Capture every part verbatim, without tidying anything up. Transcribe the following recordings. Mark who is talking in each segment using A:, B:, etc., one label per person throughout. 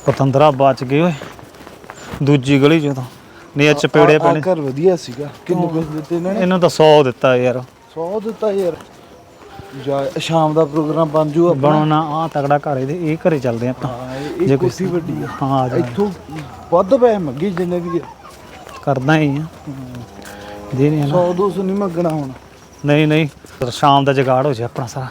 A: ਪਤੰਦਰਾ ਬਚ ਗਏ ਓਏ ਦੂਜੀ ਗਲੀ ਚੋਂ ਤਾਂ ਨਹੀਂ ਚਪੇੜੇ ਪੈਣੇ।
B: ਘਰ ਵਧੀਆ ਸੀਗਾ। ਕਿੰਨੇ ਪੈਸੇ ਦਿੱਤੇ ਇਹਨਾਂ ਨੇ?
A: ਇਹਨਾਂ ਤਾਂ ਸੌ ਦਿੱਤਾ ਯਾਰ।
B: ਸੌ ਦਿੱਤਾ ਯਾਰ। ਜਾ ਸ਼ਾਮ ਦਾ ਪ੍ਰੋਗਰਾਮ ਬਣ ਜੂ ਆਪਣਾ।
A: ਬਣੋ ਨਾ ਆ ਤਗੜਾ ਘਰ ਇਹਦੇ ਇਹ ਘਰੇ ਚੱਲਦੇ ਆਪਾਂ।
B: ਜੇ ਕੁਰਸੀ ਵੱਡੀ ਆ
A: ਹਾਂ ਆ ਜਾ
B: ਇੱਥੋਂ ਵੱਧ ਪੈਸੇ ਮੰਗੀ ਜਿੰਨੇ ਵੀ
A: ਕਰਦਾ ਹੀ ਆ ਦੇ ਨਹੀਂ
B: ਸੌ ਦੋ ਸੌ ਨਹੀਂ ਮੰਗਣਾ ਹੁਣ।
A: ਨਹੀਂ ਨਹੀਂ ਸ਼ਾਮ ਦਾ ਜਗਾੜ ਹੋ ਜਾ ਆਪਣਾ ਸਾਰਾ।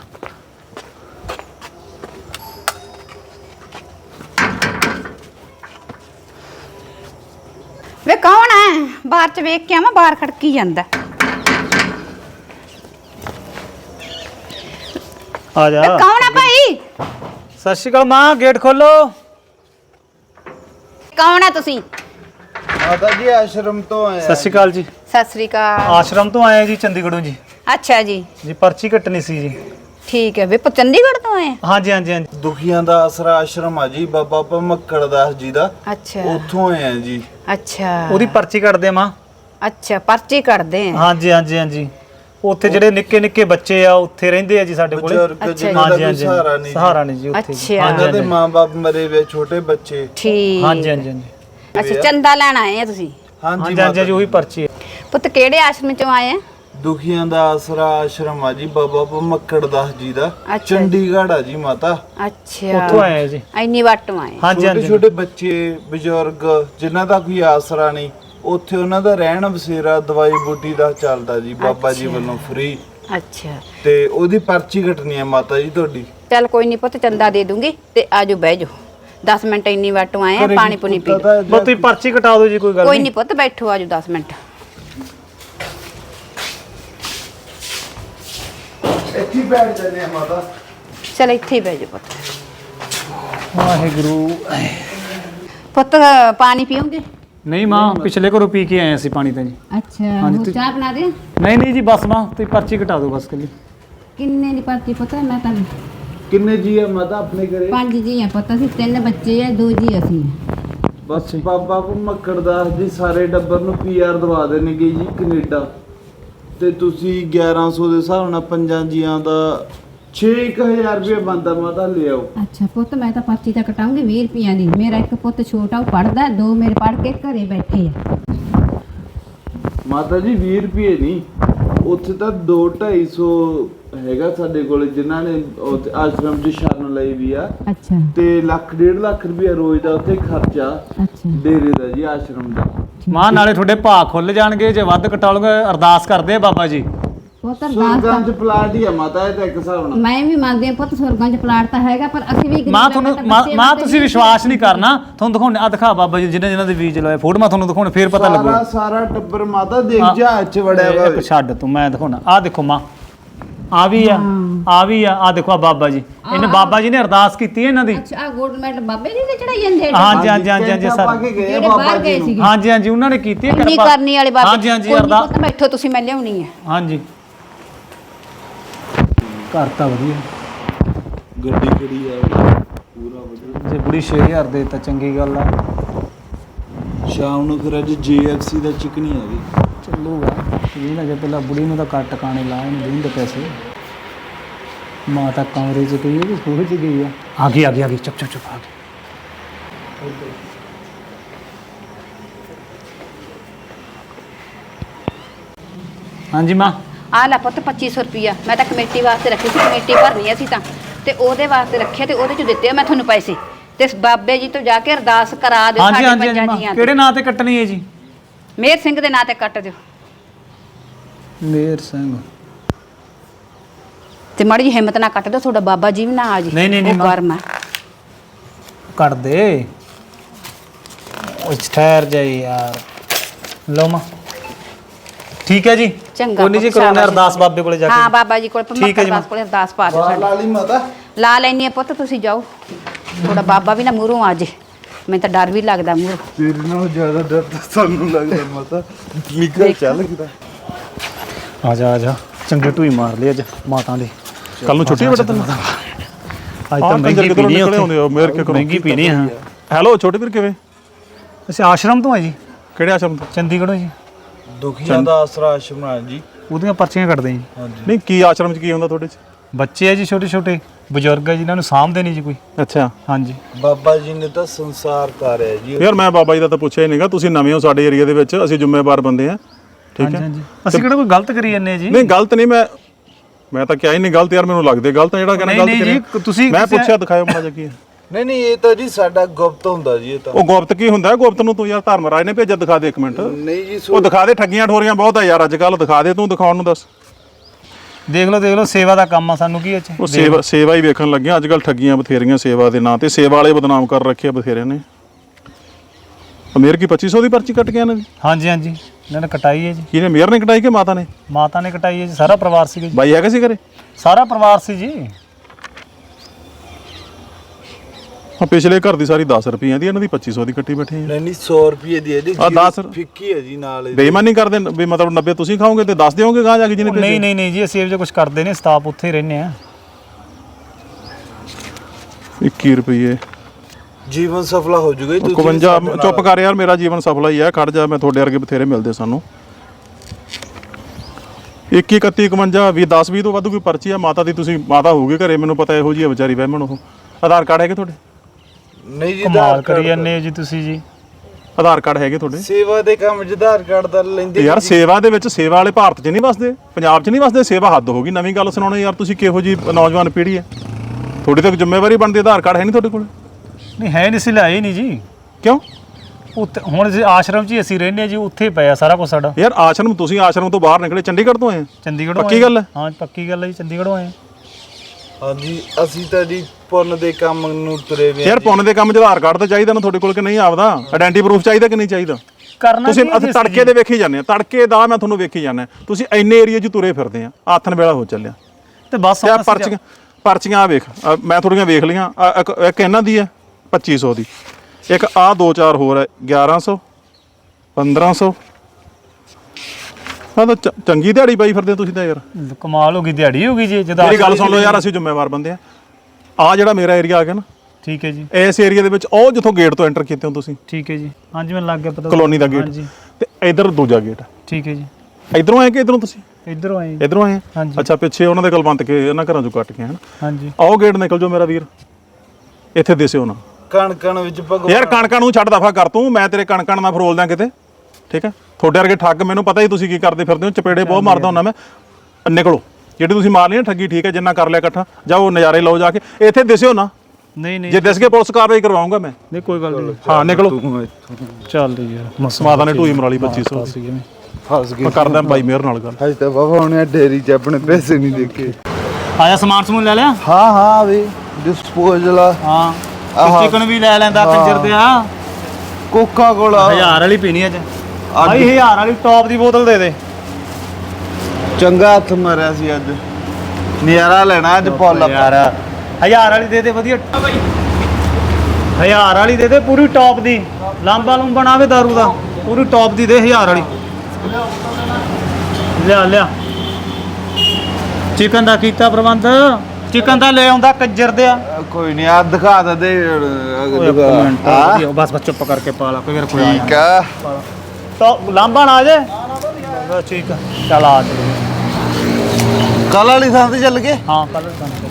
C: ਵੇ ਕੌਣ ਹੈ? ਬਾਹਰ ਚ ਵੇਖ ਕੇ ਆਵਾਂ, ਬਾਹਰ ਖੜਕੀ ਜਾਂਦਾ।
A: ਆ ਜਾ।
C: ਕੌਣ ਹੈ ਭਾਈ?
A: ਸਤਿ ਸ਼੍ਰੀ ਅਕਾਲ ਮਾਂ, ਗੇਟ ਖੋਲੋ।
C: ਕੌਣ ਹੈ ਤੁਸੀਂ?
B: ਮਾਤਾ ਜੀ ਆਸ਼ਰਮ ਤੋਂ ਆਏ।
A: ਸਤਿ ਸ਼੍ਰੀ ਅਕਾਲ ਜੀ।
C: ਸਤਿ ਸ੍ਰੀ ਅਕਾਲ।
A: ਆਸ਼ਰਮ ਤੋਂ ਆਏ ਜੀ, ਚੰਡੀਗੜ੍ਹੋਂ ਜੀ।
C: ਅੱਛਾ ਜੀ
A: ਜੀ ਪਰਚੀ ਕੱਟਣੀ ਸੀ ਜੀ।
C: ਠੀਕ ਹੈ। ਵੇ ਚੰਡੀਗੜ੍ਹ ਤੋਂ ਆਏ?
A: ਹਾਂਜੀ ਹਾਂਜੀ ਹਾਂਜੀ।
B: ਦੁਖੀਆਂ ਦਾ ਆਸਰਾ ਆਸ਼ਰਮ ਆ ਜੀ, ਬਾਬਾ ਭਮੱਕੜ ਦਾਸ ਜੀ ਦਾ।
C: ਅੱਛਾ
B: ਉੱਥੋਂ ਆਏ ਆ ਜੀ।
C: ਅੱਛਾ
A: ਉਹਦੀ ਪਰਚੀ ਕੱਟਦੇ ਆ ਮਾਂ।
C: ਅੱਛਾ ਪਰਚੀ ਕੱਢਦੇ ਆ।
A: ਹਾਂਜੀ ਹਾਂਜੀ ਹਾਂਜੀ। ਉੱਥੇ ਜਿਹੜੇ ਨਿੱਕੇ ਨਿੱਕੇ ਬੱਚੇ ਆ ਉੱਥੇ ਰਹਿੰਦੇ ਆ ਜੀ ਸਾਡੇ ਕੋਲੇ।
B: ਬਜ਼ੁਰਗ ਜਿਨ੍ਹਾਂ ਦਾ ਕੋਈ ਸਹਾਰਾ ਨਹੀਂ।
A: ਸਹਾਰਾ ਨਹੀਂ ਜੀ ਉੱਥੇ।
C: ਅੱਛਾ।
B: ਉਹਨਾਂ ਦੇ ਮਾਂ-ਬਾਪ ਮਰੇ ਵੇ, ਛੋਟੇ ਬੱਚੇ।
C: ਠੀਕ।
A: ਹਾਂਜੀ ਹਾਂਜੀ ਹਾਂਜੀ।
C: ਅੱਛਾ ਚੰਦਾ ਲੈਣ ਆਏ ਆ ਤੁਸੀਂ?
B: ਹਾਂਜੀ
A: ਹਾਂਜੀ ਹਾਂਜੀ ਉਹੀ ਪਰਚੀ ਹੈ।
C: ਪੁੱਤ ਕਿਹੜੇ ਆਸ਼ਰਮ ਚੋਂ ਆਏ ਆ?
B: ਦੁਖੀਆਂ ਦਾ ਆਸਰਾ ਆਸ਼ਰਮ ਆ ਜੀ, ਬਾਬਾ ਭਮੱਕੜ ਦਾਸ ਜੀ ਦਾ।
C: ਅੱਛਾ।
B: ਚੰਡੀਗੜ੍ਹ ਆ ਜੀ ਮਾਤਾ।
C: ਅੱਛਾ
A: ਉੱਥੋਂ ਆਏ ਆ ਜੀ।
C: ਇੰਨੀ ਵਾਟੋਂ ਆਏ?
A: ਹਾਂਜੀ
B: ਛੋਟੇ
A: ਹਾਂਜੀ
B: ਛੋਟੇ ਬੱਚੇ, ਬਜ਼ੁਰਗ ਜਿਨ੍ਹਾਂ ਦਾ ਕੋਈ ਆਸਰਾ ਨਹੀਂ, ਉੱਥੇ ਉਹਨਾਂ ਦਾ ਰਹਿਣ ਬਸੇਰਾ, ਦਵਾਈ ਬੂਟੀ ਦਾ ਚੱਲਦਾ ਜੀ ਬਾਬਾ ਜੀ ਵੱਲੋਂ ਫ੍ਰੀ।
C: ਅੱਛਾ
B: ਤੇ ਉਹਦੀ ਪਰਚੀ ਕੱਟਣੀ ਆ ਮਾਤਾ ਜੀ ਤੁਹਾਡੀ।
C: ਚੱਲ ਕੋਈ ਨਹੀਂ ਪੁੱਤ, ਚੰਦਾ ਦੇ ਦੂੰਗੀ ਤੇ ਆਜੋ ਬਹਿ ਜਾਓ। ਦਸ ਮਿੰਟ ਇੰਨੀ ਵਾਟੋਂ ਆਏ ਆ, ਪਾਣੀ ਪੁਣੀ ਪੀ ਲਓ।
A: ਬਸ ਤੁਸੀਂ ਪਰਚੀ ਕਟਾ ਦਿਓ ਜੀ, ਕੋਈ ਗੱਲ
C: ਕੋਈ
A: ਨਹੀਂ।
C: ਨਹੀਂ ਪੁੱਤ, ਬੈਠੋ ਆਜੋ ਦਸ ਮਿੰਟ।
B: ਇੱਥੇ ਹੀ ਬੈਠ ਜਾਂਦੇ ਆ ਮਾਤਾ।
C: ਚਲ ਇੱਥੇ ਹੀ ਬਹਿ ਜਾਓ ਪੁੱਤ।
A: ਵਾਹਿਗੁਰੂ।
C: ਪੁੱਤ ਪਾਣੀ ਪੀਓਗੇ?
A: ਨਹੀਂ ਮਾਂ, ਪਿਛਲੇ ਘਰੋਂ ਪੀ ਕੇ ਆਏ ਅਸੀਂ ਪਾਣੀ ਤਾਂ ਜੀ।
C: ਅੱਛਾ
A: ਹਾਂਜੀ,
C: ਹੋਰ
A: ਤੁਸੀਂ-
C: ਚਾਹ ਬਣਾ ਦੇ?
A: ਨਹੀਂ ਨਹੀਂ ਜੀ ਬਸ ਮਾਂ, ਤੁਸੀਂ ਪਰਚੀ ਕਟਾ ਦਿਓ ਬਸ ਕੱਲੀ।
D: ਕਿੰਨੇ ਦੀ ਪਰਚੀ ਪਤਾ? ਮੈਂ ਤਾਂ
B: ਕਿੰਨੇ ਜੀ ਆ ਮਾਤਾ ਆਪਣੇ ਘਰੇ?
D: ਪੰਜ ਜੀ ਆ ਪਤਾ ਸੀ, ਤਿੰਨ ਬੱਚੇ ਆ, ਦੋ ਜੀ ਅਸੀਂ
B: ਬਸ ਬਾਬਾ ਭਮੱਕੜ ਦਾਸ ਜੀ ਸਾਰੇ ਟੱਬਰ ਨੂੰ ਪੀਆਰ ਦਵਾ ਦੇਣਗੇ ਜੀ ਕੈਨੇਡਾ। ਤੇ ਤੁਸੀਂ ਗਿਆਰਾਂ ਸੌ ਦੇ ਹਿਸਾਬ ਨਾਲ ਪੰਜਾਂ ਜੀਆਂ ਦਾ ਛੇ ਹਜ਼ਾਰ ਰੁਪਏ ਬਣਦਾ ਮਾਤਾ, ਲੈ ਆਓ।
D: ਅੱਛਾ ਪੁੱਤ, ਮੈਂ ਤਾਂ ਪਰਚੀ ਤਾਂ ਕਟਾਉਂਗੀ ਵੀਹ ਰੁਪਈਆਂ ਦੀ। ਮੇਰਾ ਇੱਕ ਪੁੱਤ ਛੋਟਾ, ਉਹ ਪੜਦਾ, ਦੋ ਮੇਰੇ ਪੜ ਕੇ ਘਰੇ ਬੈਠੇ ਆ।
B: ਮਾਤਾ ਜੀ ਵੀਹ ਰੁਪਏ ਨਹੀਂ, ਉੱਥੇ ਤਾਂ ਦੋ ਢਾਈ ਸੌ ਹੈਗਾ ਸਾਡੇ ਕੋਲ, ਜਿਨ੍ਹਾਂ ਨੇ ਉੱਥੇ ਆਸ਼ਰਮ 'ਚ ਸ਼ਰਨ ਲਈ ਵੀ ਆ।
D: ਅੱਛਾ
B: ਤੇ ਲੱਖ ਡੇਢ ਲੱਖ ਰੁਪਏ ਰੋਜ਼ ਦਾ ਉੱਥੇ ਖਰਚਾ
D: ਅੱਛਾ
B: ਡੇਰੇ ਦਾ ਜੀ, ਆਸ਼ਰਮ ਦਾ।
A: ਮਾਂ ਨਾਲੇ ਤੁਹਾਡੇ ਭਾਅ ਖੁੱਲ ਜਾਣਗੇ, ਜੇ ਵੱਧ ਕਟਾ ਲਓਗੇ ਅਰਦਾਸ ਕਰਦੇ ਆ ਬਾਬਾ ਜੀ।
D: ਪੁੱਤ ਅਰਦਾਸ
B: ਸੁਰਗਾਂ
D: ਤਾਂ
B: 'ਚ ਪਲਾਟ ਹੀ ਆ ਮਾਤਾ, ਇਹ ਤਾਂ ਇੱਕ ਹਿਸਾਬ ਨਾਲ।
D: ਮੈਂ ਵੀ ਮੰਨਦੀ ਆ ਪੁੱਤ, ਸੁਰਗਾਂ 'ਚ ਪਲਾਟ ਤਾਂ ਹੈਗਾ, ਪਰ ਅਸੀਂ ਵੀ
A: ਮਾਂ ਤੁਹਾਨੂੰ ਮਾਂ- ਮਾਂ ਤੁਸੀਂ ਵਿਸ਼ਵਾਸ ਨਹੀਂ ਕਰਨਾ, ਤੁਹਾਨੂੰ ਦਿਖਾਉਣੇ ਆ, ਦਿਖਾ ਬਾਬਾ ਜੀ ਜਿਹਨਾਂ ਜਿਹਨਾਂ ਦੇ ਬੀਜ ਲਾਏ ਫੋਟੋ ਮੈਂ ਤੁਹਾਨੂੰ ਦਿਖਾਉਣੇ, ਫੇਰ ਪਤਾ ਲੱਗੂ।
B: ਸਾਰਾ ਸਾਰਾ ਟੱਬਰ ਮਾਤਾ ਦੇਖ ਜਹਾਜ਼ 'ਚ ਵੜਿਆ ਵਾ।
A: ਇੱਕ ਛੱਡ ਤੂੰ, ਮੈਂ ਦਿਖਾਉਣਾ। ਆ ਦੇਖੋ ਮਾਂ, ਆ ਵੀ ਆ, ਆ ਵੀ ਆ, ਆ ਦੇਖੋ ਆ ਬਾਬਾ ਜੀ। ਇਹਨੇ ਬਾਬਾ ਜੀ ਨੇ ਅਰਦਾਸ ਕੀਤੀ ਹੈ ਇਹਨਾਂ ਦੀ।
D: ਅੱਛਾ ਆ ਗੋਲਡ ਮੈਡਲ ਬਾਬੇ ਜੀ ਦੇ ਚੜਾਈ ਜਾਂਦੇ ਆ?
A: ਹਾਂਜੀ ਹਾਂਜੀ ਹਾਂਜੀ ਹਾਂਜੀ
B: ਕੈਂਠਾ ਪਾ
A: ਸਰ।
B: ਕੇ ਗਏ ਆ
D: ਜਿਹੜੇ
B: ਬਾਬਾ
D: ਬਾਹਰ
B: ਜੀ
D: ਗਏ
B: ਨੂੰ।
D: ਸੀਗੇ।
A: ਹਾਂਜੀ ਹਾਂਜੀ ਉਹਨਾਂ ਨੇ ਕੀਤੀ ਹੈ
C: ਇੰਨੀ
A: ਕਿਰਪਾ।
C: ਕਰਨੀ ਵਾਲੇ ਬਾਬੇ।
A: ਹਾਂਜੀ ਹਾਂਜੀ
C: ਕੋਈ ਨੀ
A: ਅਰਦਾਸ।
C: ਪੁੱਤ, ਬੈਠੋ ਤੁਸੀਂ, ਮੈਂ ਲਿਆਉਣੀ ਹੈ।
A: ਹਾਂਜੀ ਘਰ ਤਾਂ ਵਧੀਆ।
B: ਗੱਡੀ ਖੜੀ ਆ ਪੂਰਾ ਵਧੀਆ।
A: ਜੇ ਬੁੜੀ ਛੇ ਹਜ਼ਾਰ ਦੇ ਤਾਂ ਚੰਗੀ ਗੱਲ ਆ।
B: ਸ਼ਾਮ ਨੂੰ ਫਿਰ ਅੱਜ ਜੀਐਫਸੀ ਦਾ ਚਿਕਨੀ ਆ ਗਈ।
A: ਚੱਲੂਗਾ ਜੀ ਨਾ, ਜੇ ਪਹਿਲਾਂ ਬੁੜੀ ਨੂੰ ਤਾਂ ਕੱਟ ਟਿਕਾਣੇ ਲਾਏ ਨੇ ਦੇਣ ਦੇ ਪੈਸੇ। ਮਾਂ ਤਾਂ ਕਮਰੇ 'ਚ ਗਈ ਹੈ, ਸੋਹੇ 'ਚ ਗਈ ਆ। ਆ ਗਈ ਆ ਗਈ ਆ ਗਈ, ਚੁੱਪ ਚੁੱਪ ਚੁੱਪ ਆ ਗਈ। ਹਾਂਜੀ ਮਾਂ।
C: ਆ ਲੈ ਪੁੱਤ ਪੱਚੀ ਸੌ ਰੁਪਿਆ, ਮੈਂ ਤਾਂ ਕਮੇਟੀ ਵਾਸਤੇ ਰੱਖੀ ਸੀ, ਕਮੇਟੀ ਭਰਨੀ ਅਸੀਂ ਤਾਂ, ਤੇ ਉਹਦੇ ਵਾਸਤੇ ਰੱਖਿਆ, ਤੇ ਉਹਦੇ 'ਚ ਦਿੱਤੇ ਆ ਮੈਂ ਤੁਹਾਨੂੰ ਪੈਸੇ। ਤੇ ਬਾਬੇ ਜੀ ਤੋਂ ਜਾ ਕੇ ਅਰਦਾਸ ਕਰਾ ਦਿਓ
A: ਹਾਂਜੀ
C: ਸਾਡੇ
A: ਹਾਂਜੀ
C: ਪੰਜਾਂ
A: ਮਾਂ,
C: ਜੀਆਂ
A: ਕਿਹੜੇ
C: ਤੇ।
A: ਨਾਂ ਤੇ ਕੱਟਣੀ ਹੈ ਜੀ?
C: ਮੇਹਰ ਸਿੰਘ ਦੇ ਨਾਂ ਤੇ ਕੱਟ ਦਿਓ।
A: ਮੇਰ ਸਿੰਘ।
C: ਤੇ ਮਾੜੀ ਜਿਹੀ ਹਿੰਮਤ ਨਾਲ ਕੱਟ ਦਿਓ, ਤੁਹਾਡਾ ਬਾਬਾ ਜੀ ਵੀ ਨਾ ਆ ਜੀ।
A: ਨਹੀਂ, ਨਹੀਂ, ਨਹੀਂ,
C: ਉਹ
A: ਮਾਂ।
C: ਗਰਮ ਹੈ।
A: ਕੱਟ ਦੇ। ਉਹ ਠਹਿਰ ਜਾਈ ਯਾਰ। ਲਓ ਮਾਂ, ਠੀਕ ਹੈ ਜੀ।
C: ਚੰਗਾ
A: ਕੋਈ ਨਹੀਂ ਜੀ,
C: ਪੁੱਤ,
A: ਕਰਾਉਣੇ
C: ਸ਼ਾਬਾਸ਼।
A: ਅਰਦਾਸ ਬਾਬੇ ਕੋਲੇ ਜਾ ਕੇ।
C: ਹਾਂ ਬਾਬਾ ਜੀ ਕੋਲ,
A: ਠੀਕ ਹੈ ਜੀ
C: ਪਰਮਾਤਮਾ ਕੋਲ ਅਰਦਾਸ ਪਾ ਦਿਓ
B: ਵਾਹ
C: ਸਾਡੀ।
B: ਲਾਲੀ ਮਾਤਾ।
C: ਲਾ ਲੈਣੀ ਆ ਪੁੱਤ, ਤੁਸੀਂ ਜਾਓ। ਤੁਹਾਡਾ ਬਾਬਾ ਵੀ ਨਾ ਮੂਹਰੋਂ ਆ ਜੇ, ਮੈਨੂੰ ਤਾਂ ਡਰ ਵੀ ਲੱਗਦਾ ਮੂਹਰੋਂ।
B: ਤੇਰੇ ਨਾਲੋਂ ਜ਼ਿਆਦਾ ਡਰ ਤਾਂ ਸਾਨੂੰ ਲੱਗਦਾ ਮਾਤਾ। ਨਿਕਲ ਚੱਲ ਕਿਦਾ।
A: ਆ ਜਾ ਆ ਜਾ, ਚੰਗੇ ਢੂਈ ਮਾਰ ਲਈ ਅੱਜ ਮਾਤਾ ਦੇ।
E: ਕੱਲ ਨੂੰ ਛੁੱਟੀ ਬੇਟਾ ਤੈਨੂੰ?
A: ਅੱਜ ਤਾਂ ਮਹਿੰਗੀ ਪੀਣੀ
E: ਹੁੰਦੇ ਮੇਰ ਕੇ
A: ਮਹਿੰਗੀ ਪੀਣੀ ਹਾਂ।
E: ਹੈਲੋ ਛੋਟੇ ਵੀਰ ਕਿਵੇਂ?
A: ਅਸੀਂ ਆਸ਼ਰਮ ਤੋਂ ਆ ਜੀ,
E: ਕਿਹੜੇ ਆਸ਼ਰਮ ਤੋਂ?
A: ਚੰਡੀਗੜ੍ਹੋਂ ਜੀ।
B: ਦੁਖੀਆਂ ਦਾ ਆਸਰਾ ਆਸ਼ਰਮ ਆ ਜੀ।
A: ਉਹਦੀਆਂ ਪਰਚੀਆਂ ਕੱਟਦੇ ਜੀ।
B: ਹਾਂਜੀ।
E: ਨਹੀਂ ਕੀ ਆਸ਼ਰਮ ਚ ਕੀ ਹੁੰਦਾ ਤੁਹਾਡੇ ਚ?
A: ਬੱਚੇ ਆ ਜੀ ਛੋਟੇ ਛੋਟੇ, ਬਜ਼ੁਰਗ ਹੈ ਜਿਨ੍ਹਾਂ ਨੂੰ ਸਾਂਭਦੇ ਨਹੀਂ ਜੀ ਕੋਈ।
E: ਅੱਛਾ
A: ਹਾਂਜੀ
B: ਬਾਬਾ ਜੀ ਨੇ ਤਾਂ ਸੰਸਾਰ ਤਾਰਿਆ ਜੀ।
E: ਯਾਰ ਮੈਂ ਬਾਬਾ ਜੀ ਦਾ ਤਾਂ ਪੁੱਛਿਆ ਹੀ ਨਹੀਂਗਾ, ਤੁਸੀਂ ਨਵੇਂ ਹੋ ਸਾਡੇ ਏਰੀਆ ਦੇ ਵਿੱਚ, ਅਸੀਂ ਜ਼ਿੰਮੇਵਾਰ ਬੰਦੇ ਆ। ਠੀਕ ਹੈ,
A: ਅਸੀਂ ਕਿਹੜਾ ਕੋਈ ਗਲਤ ਕਰੀ ਜੰਨੇ ਜੀ?
E: ਨਹੀਂ ਗਲਤ ਨਹੀਂ, ਮੈਂ ਮੈਂ ਤਾਂ ਕਿਹਾ ਹੀ ਨਹੀਂ ਗਲਤ ਯਾਰ, ਮੈਨੂੰ ਲੱਗਦੇ ਗਲਤ ਜਿਹੜਾ ਕਹਿੰਦਾ ਗਲਤ ਕਰਿਆ।
A: ਤੁਸੀਂ
E: ਮੈਂ ਪੁੱਛਿਆ ਦਿਖਾਇਓ ਮਾੜਾ ਜਿਹਾ ਕੀ ਹੈ।
B: ਨਹੀਂ ਨਹੀਂ ਇਹ ਤਾਂ ਜੀ ਸਾਡਾ ਗੁਪਤ ਹੁੰਦਾ ਜੀ। ਇਹ ਤਾਂ
E: ਉਹ ਗੁਪਤ ਕੀ ਹੁੰਦਾ? ਗੁਪਤ ਨੂੰ ਤੂੰ ਯਾਰ ਧਰਮਰਾਜ ਨੇ ਭੇਜਿਆ, ਦਿਖਾ ਦੇ ਇੱਕ ਮਿੰਟ।
B: ਨਹੀਂ ਜੀ
E: ਉਹ ਦਿਖਾ ਦੇ, ਠੱਗੀਆਂ ਠੋਰੀਆਂ ਬਹੁਤ ਆ ਯਾਰ ਅੱਜ ਕੱਲ, ਦਿਖਾ ਦੇ ਤੂੰ, ਦਿਖਾਉਣ ਨੂੰ ਦੱਸ।
A: ਦੇਖ ਲਓ ਦੇਖ ਲਓ, ਸੇਵਾ ਦਾ ਕੰਮ ਆ ਸਾਨੂੰ ਕੀ ਅੱਛਾ।
E: ਉਹ ਸੇਵਾ ਸੇਵਾ ਹੀ ਵੇਖਣ ਲੱਗਿਆ ਅੱਜ ਕੱਲ, ਠੱਗੀਆਂ ਬਥੇਰੀਆਂ ਸੇਵਾ ਦੇ ਨਾਂ ਤੇ, ਸੇਵਾ ਵਾਲੇ ਬਦਨਾਮ ਕਰ ਰੱਖੇ ਬਥੇਰੇ ਨੇ। ਮੇਰ ਕੀ ਪੱਚੀ ਸੌ ਦੀ ਪਰਚੀ ਕੱਟ ਗਿਆ ਇਹਨਾਂ ਦੀ?
A: ਹਾਂਜੀ ਹਾਂਜੀ ਇਹਨਾਂ ਨੇ ਕਟਾਈ ਹੈ ਜੀ।
E: ਕਿਹਨੇ, ਮੇਰ ਨੇ ਕਟਾਈ ਕਿ ਮਾਤਾ ਨੇ?
A: ਮਾਤਾ ਨੇ ਕਟਾਈ ਹੈ ਜੀ, ਸਾਰਾ ਪਰਿਵਾਰ ਸੀ ਜੀ।
E: ਬਾਈ ਹੈਗਾ ਸੀ ਘਰੇ?
A: ਸਾਰਾ ਪਰਿਵਾਰ ਸੀ ਜੀ।
E: ਹਾਂ ਪਿਛਲੇ ਘਰ ਦੀ ਸਾਰੀ ਦਸ ਰੁਪਈਆਂ ਦੀ, ਇਹਨਾਂ ਦੀ ਪੱਚੀ ਸੌ ਦੀ ਕੱਟੀ ਬੈਠੇ ਆ।
B: ਨਹੀਂ ਨਹੀਂ ਸੌ ਰੁਪਏ ਦੀ ਹੈ ਜੀ।
E: ਆਹ ਦਸ
B: ਫਿੱਕੀ ਹੈ ਜੀ ਨਾਲ।
E: ਬੇਈਮਾਨੀ ਕਰਦੇ ਨੇ ਵੀ, ਮਤਲਬ ਨੱਬੇ ਤੁਸੀਂ ਖਾਓਗੇ ਤੇ ਦਸ ਦਿਓਗੇ ਗਾਂ ਜਾ ਕੇ ਜਿਹਨੇ
A: ਨਹੀਂ ਨਹੀਂ ਨਹੀਂ ਜੀ, ਅਸੀਂ ਇਹ ਜੋ ਕੁਝ ਕਰਦੇ ਨੇ, ਸਟਾਫ ਉੱਥੇ ਹੀ ਰਹਿੰਦੇ ਆ।
E: ਇੱਕੀ ਰੁਪਏ
B: ਜੀਵਨ ਸਫਲਾ ਹੋ ਜੂਗਾ ਜੀ।
E: ਇਕਵੰਜਾ ਚੁੱਪ ਕਰ ਯਾਰ, ਮੇਰਾ ਜੀਵਨ ਸਫਲਾ ਹੀ ਹੈ, ਖੜ ਜਾ, ਮੈਂ ਤੁਹਾਡੇ ਵਰਗੇ ਬਥੇਰੇ ਮਿਲਦੇ ਸਾਨੂੰ। ਇੱਕੀ ਇਕੱਤੀ ਇਕਵੰਜਾ ਵੀਹ ਦਸ ਵੀਹ ਤੋਂ ਵੱਧ ਕੋਈ ਪਰਚੀ ਆ ਮਾਤਾ ਦੀ? ਤੁਸੀਂ ਮਾਤਾ ਹੋਊਗੀ ਘਰੇ, ਮੈਨੂੰ ਪਤਾ ਇਹੋ ਜਿਹੀ ਹੈ ਵਿਚਾਰੀ ਵਹਿਮਣ। ਉਹ ਆਧਾਰ ਕਾਰਡ ਹੈਗੇ ਤੁਹਾਡੇ?
B: ਨਹੀਂ ਜੀ
A: ਕਮਾਲ ਕਰੀ ਜਾਂਦੇ ਜੀ ਤੁਸੀਂ ਜੀ।
E: ਆਧਾਰ ਕਾਰਡ ਹੈਗੇ ਤੁਹਾਡੇ?
B: ਸੇਵਾ ਦੇ ਕੰਮ ਚ ਆਧਾਰ ਕਾਰਡ ਦਾ ਲੈਂਦੇ
E: ਯਾਰ ਸੇਵਾ ਦੇ ਵਿੱਚ, ਸੇਵਾ ਵਾਲੇ ਭਾਰਤ 'ਚ ਨਹੀਂ ਵਸਦੇ, ਪੰਜਾਬ 'ਚ ਨਹੀਂ ਵਸਦੇ? ਸੇਵਾ ਹੱਦ ਹੋ ਗਈ, ਨਵੀਂ ਗੱਲ ਸੁਣਾਉਣੀ ਯਾਰ। ਤੁਸੀਂ ਕਿਹੋ ਜੀ ਨੌਜਵਾਨ ਪੀੜ੍ਹੀ ਹੈ, ਤੁਹਾਡੀ ਤਾਂ ਜ਼ਿੰਮੇਵਾਰੀ ਬਣਦੀ। ਆਧਾਰ ਕਾਰਡ ਹੈ ਨਹੀਂ ਤੁਹਾਡੇ ਕੋਲ?
A: ਨਹੀਂ ਹੈ ਨਹੀਂ ਸੀ, ਲਿਆਏ ਨਹੀਂ ਜੀ।
E: ਕਿਉਂ?
A: ਉੱਥੇ ਹੁਣ ਜੀ ਆਸ਼ਰਮ 'ਚ ਹੀ ਅਸੀਂ ਰਹਿੰਦੇ ਜੀ, ਉੱਥੇ ਪਿਆ ਸਾਰਾ ਕੁਝ ਸਾਡਾ।
E: ਯਾਰ ਆਸ਼ਰਮ, ਤੁਸੀਂ ਆਸ਼ਰਮ ਤੋਂ ਬਾਹਰ ਨਿਕਲੇ, ਚੰਡੀਗੜ੍ਹ ਤੋਂ ਆਏ?
A: ਚੰਡੀਗੜ੍ਹੋਂ
E: ਪੱਕੀ ਗੱਲ ਹੈ?
A: ਹਾਂ ਪੱਕੀ ਗੱਲ ਹੈ ਜੀ, ਚੰਡੀਗੜ੍ਹੋਂ ਆਏ।
B: ਹਾਂਜੀ ਅਸੀਂ ਤਾਂ ਜੀ ਪੁੰਨ ਦੇ ਕੰਮ ਨੂੰ ਤੁਰੇ ਵੇ।
E: ਯਾਰ ਪੁੰਨ ਦੇ ਕੰਮ 'ਚ ਆਧਾਰ ਕਾਰਡ ਤਾਂ ਚਾਹੀਦਾ ਨਾ ਤੁਹਾਡੇ ਕੋਲ, ਕਿ ਨਹੀਂ? ਆਪਦਾ ਆਇਡੈਂਟੀ ਪ੍ਰੂਫ ਚਾਹੀਦਾ ਕਿ ਨਹੀਂ ਚਾਹੀਦਾ?
A: ਕਰਨਾ
E: ਤੁਸੀਂ ਅਸੀਂ ਤੜਕੇ ਦੇ ਵੇਖੀ ਜਾਂਦੇ ਆ, ਤੜਕੇ ਦਾ ਮੈਂ ਤੁਹਾਨੂੰ ਵੇਖੀ ਜਾਂਦਾ। ਤੁਸੀਂ ਇੰਨੇ ਏਰੀਆ 'ਚ ਤੁਰੇ ਫਿਰਦੇ ਆ, ਆਥਣ ਵੇਲਾ ਹੋ ਚੱਲਿਆ
A: ਤੇ ਬਸ
E: ਯਾਰ। ਪਰਚੀਆਂ ਪਰਚੀਆਂ ਆ ਵੇਖ, ਆਹ ਮੈਂ ਥੋੜੀਆਂ ਵੇਖ ਲਈਆਂ। ਆਹ ਇੱਕ ਇੱਕ ਇਹਨਾਂ ਦੀ ਹੈ ਪੱਚੀ ਸੌ ਦੀ, ਇੱਕ ਆਹ ਦੋ ਚਾਰ ਹੋਰ ਹੈ ਗਿਆਰਾਂ ਸੌ ਪੰਦਰਾਂ ਸੌ। ਆਹ ਤਾਂ ਚ- ਚੰਗੀ ਦਿਹਾੜੀ ਪਾਈ ਫਿਰਦੇ ਤੁਸੀਂ ਤਾਂ ਯਾਰ।
A: ਕਮਾਲ ਹੋ ਗਈ, ਦਿਹਾੜੀ ਹੋ ਗਈ ਜੀ। ਜਦੋਂ
E: ਮੇਰੀ ਗੱਲ ਸੁਣ ਲਓ ਯਾਰ, ਅਸੀਂ ਜ਼ਿੰਮੇਵਾਰ ਬੰਦੇ ਆ। ਆਹ ਜਿਹੜਾ ਮੇਰਾ ਏਰੀਆ ਆ ਗਿਆ ਨਾ,
A: ਠੀਕ ਹੈ ਜੀ।
E: ਇਸ ਏਰੀਆ ਦੇ ਵਿੱਚ ਉਹ ਜਿੱਥੋਂ ਗੇਟ ਤੋਂ ਐਂਟਰ ਕੀਤੇ ਹੋ ਤੁਸੀਂ,
A: ਠੀਕ ਹੈ ਜੀ। ਹਾਂਜੀ ਮੈਨੂੰ ਲੱਗ ਗਿਆ ਪਤਾ।
E: ਕਲੋਨੀ ਦਾ ਗੇਟ,
A: ਹਾਂਜੀ
E: ਤੇ ਇਧਰ ਦੂਜਾ ਗੇਟ।
A: ਠੀਕ ਹੈ ਜੀ।
E: ਇਧਰੋਂ ਆਏ ਕਿ ਇਧਰੋਂ? ਤੁਸੀਂ
A: ਇੱਧਰੋਂ ਆਏ ਜੀ।
E: ਇਧਰੋਂ ਆਏ?
A: ਹਾਂਜੀ।
E: ਅੱਛਾ, ਪਿੱਛੇ ਉਹਨਾਂ ਦੇ ਕਲਵੰਤ ਕੇ ਇਹਨਾਂ ਘਰਾਂ ਚੋਂ ਕੱਟ ਕੇ ਹਨ।
A: ਹਾਂਜੀ
E: ਆਓ ਗੇਟ ਨਿਕਲ ਜਾਓ ਮੇਰਾ ਵੀਰ, ਇੱਥੇ ਦਿਸਿਓ ਨਾ।
B: ਕਣ ਕਣ ਵਿੱਚ ਭਗਵਾਨ।
E: ਯਾਰ ਕਣਕਾਂ ਨੂੰ ਛੱਡ ਦਫਾ ਕਰ ਤੂੰ, ਮੈਂ ਤੇਰੇ ਕਣਕਾਂ ਨਾਲ ਫਰੋਲ ਦਾਂ ਕਿਤੇ। ਠੀਕ ਹੈ, ਤੁਹਾਡੇ ਵਰਗੇ ਠੱਗ, ਮੈਨੂੰ ਪਤਾ ਹੀ ਤੁਸੀਂ ਕੀ ਕਰਦੇ ਫਿਰਦੇ ਹੋ, ਚਪੇੜੇ ਬਹੁਤ ਮਾਰਦਾ ਹੁੰਦਾ ਮੈਂ। ਨਿਕਲੋ, ਜਿਹੜੀ ਤੁਸੀਂ ਮਾਰ ਲਈ ਨਾ ਠੱਗੀ, ਠੀਕ ਹੈ, ਜਿੰਨਾ ਕਰ ਲਿਆ ਇਕੱਠਾ, ਜਾਓ ਨਜ਼ਾਰੇ ਲਓ ਜਾ ਕੇ। ਇੱਥੇ ਦਿਸਿਓ ਨਾ,
A: ਨਹੀਂ ਨਹੀਂ
E: ਜੇ ਦਿਸ ਕੇ ਪੁਲਿਸ ਕਾਰਵਾਈ ਕਰਵਾਉਂਗਾ ਮੈਂ।
A: ਨਹੀਂ ਕੋਈ ਗੱਲ ਨਹੀਂ।
E: ਹਾਂ ਨਿਕਲੋ।
A: ਚੱਲ ਯਾਰ,
E: ਮਾਤਾ ਨੇ ਢੂਈ ਮਰਾਲੀ ਪੱਚੀ ਸੌ ਦੀ।
A: ਸੀ
B: ਫਸ ਗਏ।
E: ਮੈਂ ਕਰਦਾ ਬਾਈ ਮੇਰ ਨਾਲ ਗੱਲ।
B: ਹਜੇ ਤਾਂ ਬਾਬਾ ਹੁਣੇ ਡੇਰੀ 'ਚ ਆਪਣੇ ਪੈਸੇ ਨਹੀਂ ਦੇਖੇ।
A: ਆਇਆ ਸਮਾਨ ਸਮੂਨ ਲੈ ਲਿਆ?
B: ਹਾਂ ਹਾਂ ਵੀ ਡਿਸਪੋਜ਼ਲ ਆ।
A: ਹਾਂ
B: ਆਹ।
A: ਚਿਕਨ ਵੀ ਲੈ ਲੈਂਦਾ ਕੰਜਰ ਤੇ ਆ।
B: ਕੋਕਾ ਕੋਲਾ
A: ਹਜ਼ਾਰ ਵਾਲੀ ਪੀਣੀ ਅੱਜ ਭਾਈ, ਹਜ਼ਾਰ ਵਾਲੀ ਟੌਪ ਦੀ ਬੋਤਲ ਦੇ ਦੇ।
B: ਚੰਗਾ ਹੱਥ ਮਾਰਿਆ ਸੀ ਅੱਜ, ਨਜ਼ਾਰਾ ਲੈਣਾ ਅੱਜ ਫੁੱਲ।
A: ਯਾਰ ਹਜ਼ਾਰ ਵਾਲੀ ਦੇ ਦੇ, ਵਧੀਆ ਹਜ਼ਾਰ ਵਾਲੀ ਦੇ ਦੇ, ਪੂਰੀ ਟੌਪ ਦੀ। ਲਾਂਬਾ ਲੂੰਬਾ ਨਾ ਆਵੇ ਦਾਰੂ ਦਾ, ਪੂਰੀ ਟੌਪ ਦੀ ਦੇ ਹਜ਼ਾਰ ਵਾਲੀ। ਲਿਆ ਲਿਆ। ਚਿਕਨ ਦਾ ਕੀਤਾ ਪ੍ਰਬੰਧ? ਚਿਕਨ ਦਾ ਲੈ ਆਉਂਦਾ ਕੰਜਰ ਦੇ ਆ।
B: ਕੋਈ ਨਹੀਂ ਆ ਦਿਖਾ ਦੇ ਦੇ।
A: ਵਧੀਆ, ਬਸ ਬਸ ਚੁੱਪ ਕਰਕੇ ਪਾ ਲਾ, ਕੋਈ ਵਾਰ ਕੋਈ
B: ਠੀਕ ਆ।
A: ਤਾਂ ਲਾਂਬਾ ਨਾ ਆ ਜੇ। ਬਸ ਠੀਕ ਆ, ਚੱਲ ਆ ਚਲੀਏ।
B: ਕੱਲ ਵਾਲੀ ਥਾਂ ਤੇ ਚੱਲ ਗਏ।
A: ਹਾਂ ਕੱਲ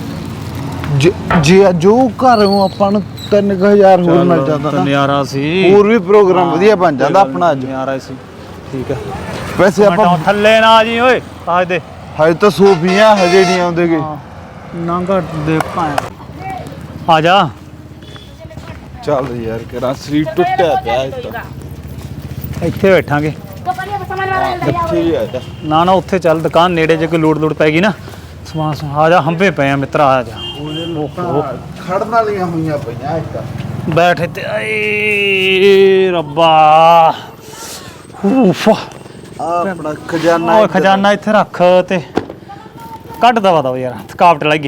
B: ਜੇ ਜੋ ਘਰੋਂ ਆਪਾਂ ਨੂੰ ਤਿੰਨ ਕੁ ਹਜ਼ਾਰ ਹੋਰ ਮਿਲ ਜਾਂਦਾ ਨਾ,
A: ਨਜ਼ਾਰਾ ਸੀ।
B: ਹੋਰ ਵੀ ਪ੍ਰੋਗਰਾਮ ਵਧੀਆ ਬਣ ਜਾਂਦਾ ਆਪਣਾ ਅੱਜ।
A: ਨਜ਼ਾਰਾ ਸੀ। ਠੀਕ ਆ,
B: ਵੈਸੇ ਆਪਾਂ
A: ਆਪਾਂ ਥੱਲੇ ਨਾ ਆ ਜੀ ਓਏ, ਆ ਦੇ
B: ਹਜੇ ਤਾਂ ਸੋਫੀਆਂ ਹਜੇ ਨਹੀਂ ਆਉਂਦੇਗੇ।
A: ਨਾਂਗਾ ਦੇਖ ਪਾਇਆ। ਆ ਜਾ।
B: ਚੱਲ ਯਾਰ ਕਰਾਂ, ਸਰੀਰ ਟੁੱਟਿਆ ਪਿਆ ਇਹ ਤਾਂ।
A: ਇੱਥੇ ਬੈਠਾਂਗੇ।
B: ਇੱਥੇ ਹੀ ਆ ਜਾ।
A: ਨਾ ਨਾ ਉੱਥੇ ਚੱਲ, ਦੁਕਾਨ ਨੇੜੇ ਜੇ ਕੋਈ ਲੋੜ ਲੋੜ ਪੈ ਗਈ ਨਾ ਸਮਾਨ ਸਮੂਨ। ਆ ਜਾ, ਹੰਭੇ ਪਏ ਆ ਮਿੱਤਰਾ, ਆ ਜਾ।
B: ਖੜਨ ਵਾਲੀਆਂ ਹੋਈਆਂ ਪਈਆਂ ਇੱਕ।
A: ਬੈਠ ਇੱਥੇ। ਏ ਰੱਬਾ, ਉਫ।
B: ਆ ਆਪਣਾ ਖਜ਼ਾਨਾ।
A: ਓਏ ਖਜ਼ਾਨਾ ਇੱਥੇ ਰੱਖ ਤੇ ਕੱਢ ਦਵਾ ਦਵਾ ਯਾਰ, ਥਕਾਵਟ ਲੱਗੇ।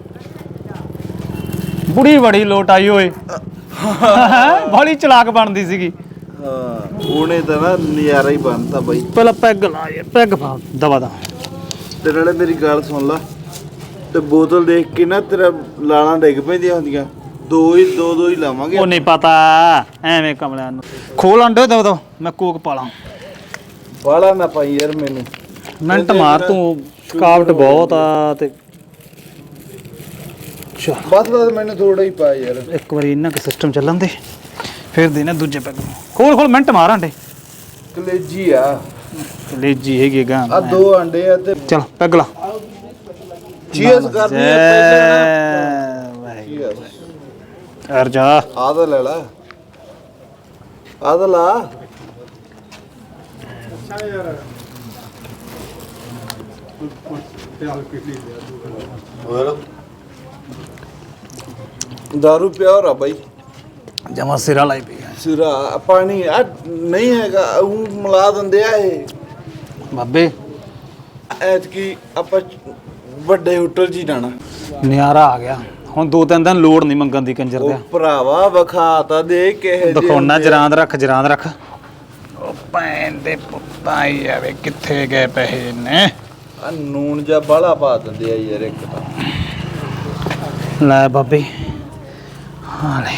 A: ਬੁੜੀ ਬੜੀ ਲੋਟ ਆਈ ਓਏ, ਬੜੀ ਚਲਾਕ ਬਣਦੀ ਸੀਗੀ।
B: ਹਾਂ ਉਹਨੇ ਤਾਂ ਨਾ ਨਜ਼ਾਰਾ ਹੀ ਬਣਤਾ ਬਾਈ।
A: ਪਹਿਲਾਂ ਪੈਗ ਲਾ ਯਾਰ, ਪੈਗ ਪਾ ਦਵਾ ਦਾ।
B: ਤੇ ਨਾਲੇ ਮੇਰੀ ਗੱਲ ਸੁਣ ਲਾ, ਤੇ ਬੋਤਲ ਦੇਖ ਕੇ ਨਾ ਤੇਰਾ ਲਾਲਾਂ ਡਿੱਗ ਪੈਂਦੀਆਂ ਹੁੰਦੀਆਂ। ਦੋ ਹੀ ਦੋ ਦੋ ਹੀ ਲਾਵਾਂਗੇ।
A: ਉਹ ਨਹੀਂ ਪਤਾ ਐਵੇਂ ਕਮਲਿਆਂ ਨੂੰ। ਖੋਲ ਅੰਡੇ ਦਵਾ ਦੋ, ਮੈਂ ਕੋਕ ਪਾ ਲਾਂ।
B: ਬਾਲਾ ਨਾ ਪਾਈ ਯਾਰ ਮੈਨੂੰ।
A: ਮਿੰਟ ਮਾਰ ਤੂੰ, ਥਕਾਵਟ ਬਹੁਤ ਆ ਤੇ ਚਲ
B: ਬਸ ਬਸ ਮੈਨੂੰ ਥੋੜਾ ਹੀ ਪਾ ਯਾਰ।
A: ਇੱਕ ਵਾਰੀ ਇਹਨਾਂ ਦਾ ਸਿਸਟਮ ਚੱਲਣ ਦੇ ਫਿਰ ਦੇ ਨਾ ਦੂਜੇ ਪੈਗ ਨੂੰ। ਖੋਲ ਖੋਲ ਮਿੰਟ ਮਾਰ ਆਂਡੇ
B: ਕਲੇਜੀ ਆ
A: ਕਲੇਜੀ ਹੈਗੀ ਗਾਂ
B: ਆ ਦੋ ਆਂਡੇ ਆ ਤੇ
A: ਚਲ ਪੈਗ ਲਾ
B: ਚੀਜ਼ ਕਰਨੀ ਆ ਪਹਿਲਾਂ ਚੀਜ਼
A: ਅਰ ਜਾ
B: ਆ ਤਾਂ ਲੈ ਲਾ ਆ ਤਾਂ ਲਾ ਹੋਰ ਦਾਰੂ ਪਿਓਰ ਆ ਬਾਈ
A: ਜਮਾ ਸਿਰਾ ਲਾਈ ਪਈ
B: ਸਿਰਾ ਪਾਣੀ ਆ ਨਹੀਂ ਹੈਗਾ ਉਹ ਮਿਲਾ ਦਿੰਦੇ ਆ ਇਹ
A: ਬਾਬੇ
B: ਐਤਕੀ ਆਪਾਂ ਵੱਡੇ ਹੋਟਲ 'ਚ ਹੀ ਜਾਣਾ
A: ਨਿਆਰਾ ਆ ਗਿਆ ਹੁਣ ਦੋ ਤਿੰਨ ਦਿਨ ਲੋੜ ਨਹੀਂ ਮੰਗਣ ਦੀ ਕੰਜਰ
B: ਉਹ
A: ਦੇ
B: ਭਰਾਵਾ ਵਿਖਾ ਤਾਂ ਦੇ ਕਿਹੇ
A: ਦਿਖਾਉਣਾ ਜਰਾਂਦ ਰੱਖ ਜਰਾਂਦ ਰੱਖ ਉਹ ਭੈਣ ਦੇ ਪੁੱਤਾਂ ਹੀ ਆਵੇ ਕਿੱਥੇ ਗਏ ਪੈਸੇ ਨੇ
B: ਆ ਨੂਣ ਜਾਂ ਬਾਲਾ ਪਾ ਦਿੰਦੇ ਆ ਯਾਰ ਇੱਕ ਤਾਂ
A: ਲੈ ਬਾਬੇ ਹਾਂ ਲੈ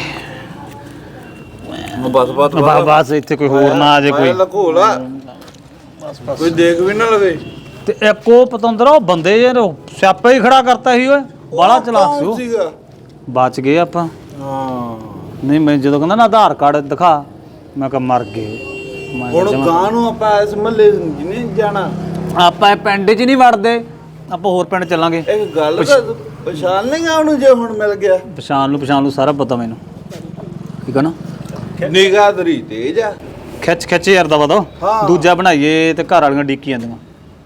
B: ਬਸ ਬਸ
A: ਬਾ ਬਸ ਇੱਥੇ ਕੋਈ ਹੋਰ ਨਾ ਆ ਜੇ ਕੋਈ
B: ਲਕੋਲਾ ਕੋਈ ਦੇਖ ਵੀ ਨਾ ਲਵੇ
A: ਤੇ ਇੱਕ ਉਹ ਪਤੰਦਰ ਉਹ ਬੰਦੇ ਯਾਰ ਉਹ ਸਿਆਪਾ ਹੀ ਖੜਾ ਕਰਤਾ ਸੀ ਓਏ ਬਾਲਾ ਚਲਾਕ ਸੀ ਉਹ
B: ਸੀਗਾ
A: ਬਚ ਗਏ ਆਪਾਂ
B: ਹਾਂ
A: ਨਹੀਂ ਮੈਂ ਜਦੋਂ ਕਹਿੰਦਾ ਨਾ ਆਧਾਰ ਕਾਰਡ ਦਿਖਾ ਮੈਂ ਕਿਹਾ ਮਰ ਗਏ ਮੈਂ ਕਿਹਾ
B: ਹੁਣ
A: ਜਮਾਂ-
B: ਗਾਂ ਨੂੰ ਆਪਾਂ ਇਸ ਮਹੱਲੇ ਨਹੀਂ ਜਾਣਾ
A: ਆਪਾਂ ਇਹ ਪਿੰਡ 'ਚ ਨਹੀਂ ਵੜਦੇ ਆਪਾਂ ਹੋਰ ਪਿੰਡ ਚੱਲਾਂਗੇ
B: ਇੱਕ ਗੱਲ ਤਾਂ ਪਛਾਣ ਲੇਗਾ ਉਹਨੂੰ ਜੇ ਹੁਣ ਮਿਲ ਗਿਆ
A: ਪਛਾਣ ਨੂੰ ਪਛਾਣ ਨੂੰ ਸਾਰਾ ਪਤਾ ਮੈਨੂੰ ਠੀਕ ਆ ਨਾ
B: ਨਿਗਾਹ ਦਰੀ ਤੇਜ ਆ
A: ਖਿੱਚ ਖਿੱਚ ਯਾਰ ਦਾ ਵਦੋ
B: ਹਾਂ।
A: ਦੂਜਾ ਬਣਾਈਏ ਤੇ ਘਰ ਵਾਲੀਆਂ ਡੀਕੀ ਜਾਂਦੀਆਂ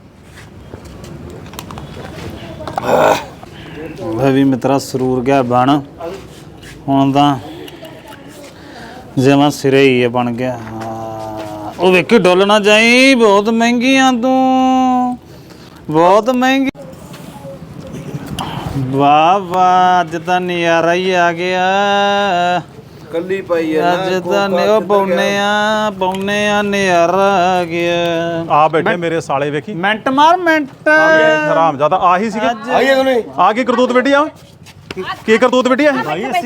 A: ਉਹ ਵੀ ਮਿੱਤਰਾ ਸਰੂਰ ਗਿਆ ਬਣ ਹੁਣ ਤਾਂ ਜਿਵੇਂ ਸਿਰੇ ਹੀ ਇਹ ਬਣ ਗਿਆ ਹਾਂ ਉਹ ਵੇਖੀ ਡੁੱਲ ਨਾ ਜਾਈ ਬਹੁਤ ਮਹਿੰਗੀ ਆ ਤੂੰ ਬਹੁਤ ਮਹਿੰਗੀ ਵਾਹ ਵਾਹ ਅੱਜ ਤਾਂ ਨਜ਼ਾਰਾ ਹੀ ਆ ਗਿਆ
B: ਕੱਲੀ ਪਾਈ ਆ
A: ਅੱਜ ਤਾਂ ਨੇ ਉਹ ਪੌਨੇ ਆ ਪੌਨੇ ਆ ਨਜ਼ਾਰਾ ਆ ਗਿਆ
E: ਆ ਬੈਠੇ ਮੇਰੇ ਸਾਲੇ ਵੇਖੀ
A: ਮਿੰਟ ਮਾਰ ਮਿੰਟ
E: ਹਰਾਮ ਜਿਆਦਾ ਆਹੀ ਸੀਗੇ
B: ਆਈਏ ਤੁਨੇ
E: ਆ ਕੀ ਕਰਤੂਤ ਬੇਟੀ ਆ ਕੀ ਕਰਤੂਤ ਬੇਟੀ ਆ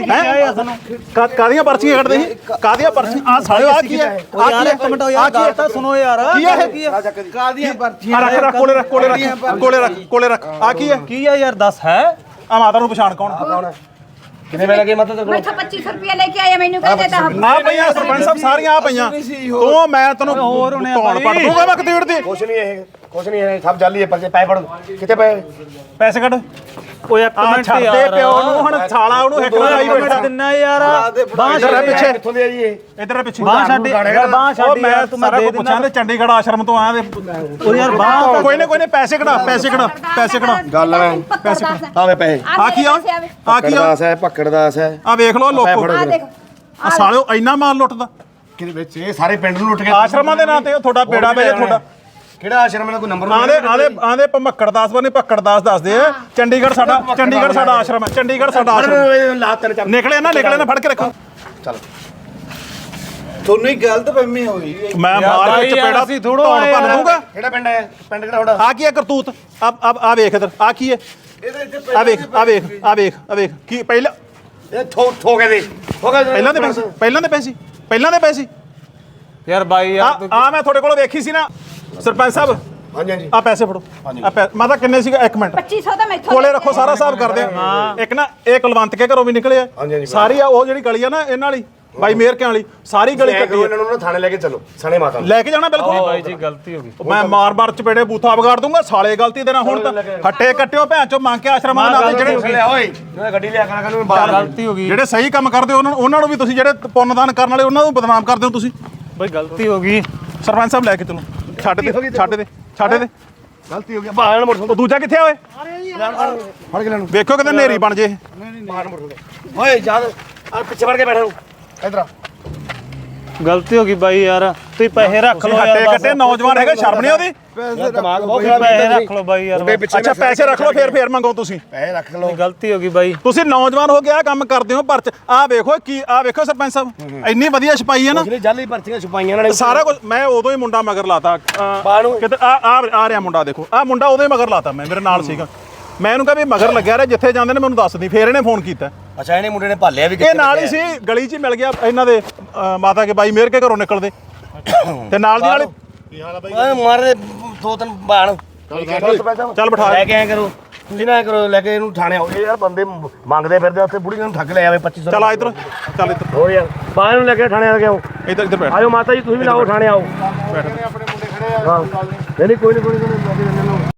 E: ਕਾਦੀਆਂ ਪਰਚੀਆਂ ਕੱਢਦੇ ਸੀ ਕਾਦੀਆਂ ਪਰਚੀਆਂ ਆ ਸਾਲਿਓ ਆ ਕੀ ਹੈ ਆ ਕੀ ਹੈ
A: ਕਮੈਂਟ ਯਾਰ ਗੱਲ ਤਾਂ ਸੁਣੋ ਯਾਰ
E: ਕੀ ਹੈ ਇਹ?
B: ਕਾਦੀਆਂ ਪਰਚੀਆਂ
E: ਆ ਰੱਖ ਰੱਖ ਕੋਲੇ ਰੱਖ ਕੋਲੇ ਰੱਖ ਕੋਲੇ ਰੱਖ ਕੋਲੇ ਰੱਖ ਆ ਕੀ ਹੈ
A: ਕੀ ਆ ਯਾਰ ਦੱਸ ਹੈ
E: ਆ ਮਾਤਾ ਨੂੰ ਪਛਾਣ ਕੌਣ
A: ਕਿੰਨੇ ਵੇਲੇ ਕੀ ਮਤਲਬ
C: ਮੈਂ ਤਾਂ ਪੱਚੀ ਸੌ ਰੁਪਏ ਲੈ ਕੇ ਆਇਆ ਮੈਨੂੰ ਕਹਿੰਦੇ ਤਾਂ
E: ਆ ਪਈਆਂ ਸਰਪੰਚ ਸਾਹਿਬ ਸਾਰੀਆਂ ਆ ਪਈਆਂ ਤੂੰ ਮੈਂ ਤੈਨੂੰ
A: ਹੋਰ ਹੋਣੇ ਆ
E: ਧੌਣ
A: ਭਾਈ।
E: ਪੜ ਦੂੰਗਾ ਮੈਂ ਕਤੀੜ ਦੀ
F: ਕੁਛ ਨਹੀਂ ਇਹ ਕੁਛ ਨਹੀਂ ਇਹ ਸਭ ਜਾਲੀ ਹੈ ਪਰਚੇ ਪੈ ਪੜ ਕਿੱਥੇ ਪਏ
E: ਪੈਸੇ ਕੱਢ
A: ਓਏ ਇੱਕ
E: ਆ
A: ਮਿੰਟ
E: ਛੱਡ ਦੇ
A: ਯਾਰ
E: ਪਿਓ ਨੂੰ ਹੁਣ ਸਾਲਾ ਉਹਨੂੰ ਇੱਕ ਵਾਰ ਆਈ ਬੈਠਾ
A: ਦਿੰਨਾ ਯਾਰ ਬਾਹ
E: ਇੱਧਰ ਆ ਪਿੱਛੇ
F: ਕਿੱਥੋਂ ਦੇ ਆ ਜੀ ਇਹ
E: ਇੱਧਰ ਆ ਪਿੱਛੇ
A: ਬਾਹ ਛੱਡ ਯਾਰ ਬਾਹ ਛੱਡ
E: ਉਹ ਮੈਂ
A: ਯਾਰ ਤੂੰ ਮੈਂ
E: ਸਾਰਾ
A: ਦੇ
E: ਕੁਝ ਪੁੱਛਾਂ ਤੇ ਚੰਡੀਗੜ੍ਹ ਆਸ਼ਰਮ ਤੋਂ ਆਇਆ ਤੇ
A: ਉਹ ਯਾਰ ਬਾਹ
E: ਕੋਈ ਨਹੀਂ ਕੋਈ ਨਹੀਂ ਪੈਸੇ ਕਢਾ ਪੈਸੇ ਕਢਾ ਪੈਸੇ ਕਢਾ
F: ਗੱਲ ਐ
C: ਪੈਸੇ
F: ਆਵੇ ਪੈਸੇ
E: ਆ ਕੀ ਆ ਆ ਕੀ ਆ
F: ਦਾਸ ਹੈ ਭੱਕੜ ਦਾਸ ਹੈ
E: ਆ ਵੇਖ ਲਓ ਲੋਕੋ
C: ਆ ਦੇਖ
E: ਆ ਸਾਲਿਓ ਇੰਨਾ ਮਾਲ ਲੁੱਟਦਾ
F: ਕਿਹਦੇ ਵਿੱਚ ਇਹ ਸਾਰੇ ਪਿੰਡ ਨੂੰ ਲੁੱਟ ਕੇ
E: ਆਸ਼ਰਮਾਂ ਦੇ ਨਾਂ ਤੇ ਉਹ ਤੁਹਾਡਾ ਬੇੜਾ ਵੇ ਤੁਹਾਡਾ
F: ਕਿਹੜਾ ਆਸ਼ਰਮ ਦਾ ਕੋਈ ਨੰਬਰ
E: ਆਂਦੇ ਆਂਦੇ ਆਂਦੇ ਭਮੱਕੜ ਦਾਸ ਬਨੇ ਭੱਕੜ ਦਾਸ ਦੱਸਦੇ ਆ ਚੰਡੀਗੜ੍ਹ ਸਾਡਾ ਚੰਡੀਗੜ੍ਹ ਸਾਡਾ ਆਸ਼ਰਮ ਹੈ ਚੰਡੀਗੜ੍ਹ ਸਾਡਾ ਆਸ਼ਰਮ
F: ਲਾ ਤੇਰੇ ਚੱਲ
E: ਨਿਕਲੇ ਨਾ ਨਿਕਲੇ ਨਾ ਫੜ ਕੇ ਰੱਖੋ
F: ਚੱਲ
B: ਤੁਹਾਨੂੰ ਹੀ ਗਲਤ ਫਹਿਮੀ ਹੋਈ
E: ਮੈਂ ਮਾਰ ਵਿੱਚ ਪੇੜਾ
A: ਅਸੀਂ ਥੋੜ੍ਹਾ
E: ਧੌਣ ਭੰਨ
A: ਆਏ
E: ਦੂੰਗਾ
F: ਕਿਹੜਾ ਪਿੰਡ ਹੈ ਪਿੰਡ ਕਿਹੜਾ ਤੁਹਾਡਾ
E: ਆ ਕੀ ਹੈ ਕਰਤੂਤ ਆ ਆ ਆ ਵੇਖ ਇਧਰ ਆ ਕੀ ਹੈ
B: ਇਹਦੇ ਇੱਥੇ
E: ਆ ਵੇਖ ਆ ਵੇਖ ਆ ਵੇਖ ਆ ਵੇਖ ਕੀ ਪਹਿਲਾਂ
F: ਇਹ ਠੋ ਠੋ ਕੇ ਦੇ ਹੋ ਗਿਆ
E: ਪਹਿਲਾਂ ਦੇ ਪੈਸੇ ਪਹਿਲਾਂ ਦੇ ਪੈਸੇ ਪਹਿਲਾਂ ਦੇ ਪੈਸੇ
A: ਯਾਰ ਬਾਈ
E: ਆ
A: ਯਾਰ
E: ਆ ਮੈਂ ਤੁਹਾਡੇ ਕੋਲ ਵੇਖੀ ਸੀ ਨਾ ਸਰਪੰਚ ਸਾਹਿਬ
F: ਹਾਂਜੀ ਹਾਂਜੀ
E: ਆ ਪੈਸੇ ਫੜੋ ਆ ਪੈ ਮਾਤਾ ਕਿੰਨੇ ਸੀਗਾ ਇੱਕ ਮਿੰਟ
C: ਪੱਚੀ ਸੌ ਤਾਂ ਮੈਥੋਂ
E: ਕੋਲੇ ਰੱਖੋ ਸਾਰਾ ਹਿਸਾਬ ਕਰਦੇ ਆ ਇੱਕ ਨਾ ਇਹ ਕੁਲਵੰਤ ਕੇ ਘਰੋਂ ਵੀ ਨਿਕਲੇ ਆ
F: ਹਾਂਜੀ, ਹਾਂਜੀ।
E: ਸਾਰੀ ਆ ਉਹ ਜਿਹੜੀ ਗਲੀ ਆ ਨਾ ਇਹਨਾਂ ਵਾਲੀ ਬਾਈ ਮੇਰ ਕੇ ਵਾਲੀ ਸਾਰੀ ਗਲੀ
F: ਐਂ
E: ਕੱਟੀ
F: ਕਰੋ
E: ਆ।
F: ਇਹਨਾਂ ਨੂੰ ਨਾ ਥਾਣੇ ਲੈ ਕੇ ਚੱਲੋ ਸਣੇ ਮਾਤਾ ਨੂੰ
E: ਲੈ ਕੇ ਜਾਣਾ ਬਿਲਕੁਲ
A: ਬਾਈ ਜੀ ਗਲਤੀ ਹੋ ਗਈ
E: ਮੈਂ ਮਾਰ ਮਾਰ ਚਪੇੜੇ ਬੂਥਾ ਵਿਗਾੜ ਦੂੰਗਾ ਸਾਲੇ ਗਲਤੀ ਦੇ ਨਾਲ ਹੁਣ ਤਾਂ ਹੱਟੇ ਕੱਟਿਓ ਭੈਣ ਚੋ ਮੰਗ ਕੇ ਆਸ਼ਰਮਾਂ ਦੇ ਨਾਂ ਤੇ ਜਿਹੜੇ
F: ਲਿਆ ਓਏ ਇਹਨਾਂ ਗੱਡੀ ਲਿਆ ਕਰਾਂ ਨੂੰ ਬਾਹਰ
A: ਗਲਤੀ ਹੋ ਗਈ
E: ਜਿਹੜੇ ਸਹੀ ਕੰਮ ਕਰਦੇ ਉਹਨਾਂ ਨੂੰ ਉਹਨਾਂ ਨੂੰ ਵੀ ਤੁਸੀਂ ਜਿਹੜੇ ਪੁੰਨਦਾਨ ਕਰਨ ਵਾਲੇ ਉਹਨਾਂ ਨੂੰ ਬਦਨਾਮ ਕਰਦੇ ਹੋ ਤੁਸੀਂ
A: ਬਾਈ ਗਲਤੀ ਹੋ ਗਈ
E: ਸਰਪੰਚ ਸਾਹਿਬ ਲੈ ਕੇ ਚਲੋ ਛੱਡ ਦੇ ਛੱਡ ਦੇ ਛੱਡ ਦੇ
F: ਗਲਤੀ ਹੋ ਗਈ ਬਾਹਰ ਮੋਟਰ
E: ਉਹ ਦੂਜਾ ਕਿੱਥੇ ਆ ਓਏ
F: ਫੜ ਕੇ ਲੈਣ
E: ਵੇਖੋ ਕਿਤੇ ਨੇਰੀ ਬਣ ਜੇ
F: ਬਾਹਰ ਮੋਟਰ ਓਏ ਜਦ ਆ ਪਿੱਛੇ ਵੜ ਕੇ ਬੈਠਾ ਨੂੰ ਇਧਰ ਆ
A: ਗਲਤੀ ਹੋ ਗਈ ਬਾਈ ਯਾਰ ਤੁਸੀਂ ਪੈਸੇ ਰੱਖ ਲਓ
E: ਹੱਟੇ
A: ਯਾਰ
E: ਕੱਟੇ ਨੌਜਵਾਨ ਹੈਗੇ ਸ਼ਰਮ ਨਹੀਂ ਉਹਦੀ
F: ਦਿਮਾਗ ਬਹੁਤ
A: ਤੁਸੀਂ ਪੈਸੇ ਰੱਖ ਲਓ ਬਾਈ ਯਾਰ
F: ਉਹਦੇ ਪਿੱਛੇ
E: ਅੱਛਾ ਪੈਸੇ ਰੱਖ ਲਓ ਫੇਰ ਫੇਰ ਮੰਗੋ ਤੁਸੀਂ
F: ਪੈਸੇ ਰੱਖ ਲਓ
A: ਗਲਤੀ ਹੋ ਗਈ ਬਾਈ
E: ਤੁਸੀਂ ਨੌਜਵਾਨ ਹੋ ਕੇ ਆਹ ਕੰਮ ਕਰਦੇ ਹੋ ਪਰਚ ਆਹ ਵੇਖੋ ਕੀ ਆਹ ਵੇਖੋ ਸਰਪੰਚ ਸਾਹਿਬ ਇੰਨੀ ਵਧੀਆ ਛਪਾਈ ਹੈ ਨਾ
F: ਜਿਹੜੇ ਜਾਲੀ ਪਰਚੀਆਂ ਛੁਪਾਈਆਂ ਇਹਨਾਂ ਨੇ
E: ਸਾਰਾ ਕੁਝ ਮੈਂ ਉਦੋਂ ਹੀ ਮੁੰਡਾ ਮਗਰ ਲਾਤਾ
F: ਬਾਹਰੋਂ।
E: ਕਿਤੇ ਆ ਆ ਆ ਰਿਹਾ ਮੁੰਡਾ ਦੇਖੋ ਆਹ ਮੁੰਡਾ ਉਦੋਂ ਹੀ ਮਗਰ ਲਾਤਾ ਮੈਂ ਮੇਰੇ ਨਾਲ ਸੀਗਾ ਮੈਂ ਇਹਨੂੰ ਕਿਹਾ ਵੀ ਮਗਰ ਲੱਗਿਆ ਰਿਹਾ ਜਿੱਥੇ ਜਾਂਦੇ ਨੇ ਮੈਨੂੰ ਦੱਸ ਦੀ ਫੇਰ ਇਹਨੇ ਫੋਨ ਕੀਤਾ
F: ਅੱਛਾ ਇਹਨੇ ਮੁੰਡੇ ਨੇ ਭਾਲਿਆ ਵੀ
E: ਇਹ ਨਾਲ ਹੀ ਸੀ ਗਲੀ 'ਚ ਹੀ ਮਿਲ ਗਿਆ ਇਹਨਾਂ ਦੇ ਅਹ, ਮਾਤਾ ਕੇ ਬਾਈ ਮੇਰ ਕੇ ਘਰੋਂ ਨਿਕਲਦੇ ਤੇ ਨਾਲ ਦੀ ਨਾਲ
F: ਓਏ ਮਾਰੇ ਦੋ ਤਿੰਨ ਬਾਣ
E: ਚੱਲ ਬਿਠਾ
F: ਲੈ ਕੇ ਆਇਆ ਕਰੋ ਤੁਸੀਂ ਨਾ ਐਂ ਕਰੋ ਲੈ ਕੇ ਇਹਨੂੰ ਥਾਣੇ ਆਓ ਇਹ ਯਾਰ ਬੰਦੇ ਮ- ਮੰਗਦੇ ਫਿਰਦੇ ਆ ਉੱਥੇ ਬੁੜੀ ਨੂੰ ਠੱਗ ਲੈ ਆਵੇ ਪੱਚੀ ਸੌ
E: ਚੱਲ ਆ ਇੱਧਰ ਚੱਲ ਇੱਧਰ
F: ਹੋਰ ਯਾਰ ਬਾਹਰ ਨੂੰ ਲੈ ਕੇ ਥਾਣੇ ਆ ਕੇ ਆਓ
E: ਇੱਧਰ ਇੱਧਰ ਬੈਠ
F: ਆਜੋ ਮਾਤਾ ਜੀ ਤੁਸੀਂ ਵੀ ਲਾਓ ਥਾਣੇ ਆਓ
E: ਬੈਠ
F: ਹਾਂ ਨਹੀਂ ਨਹੀਂ ਕੋਈ ਨਹੀਂ ਕੋਈ ਨਹੀਂ ਲੈ ਕੇ ਜਾਂਦੇ ਨੂੰ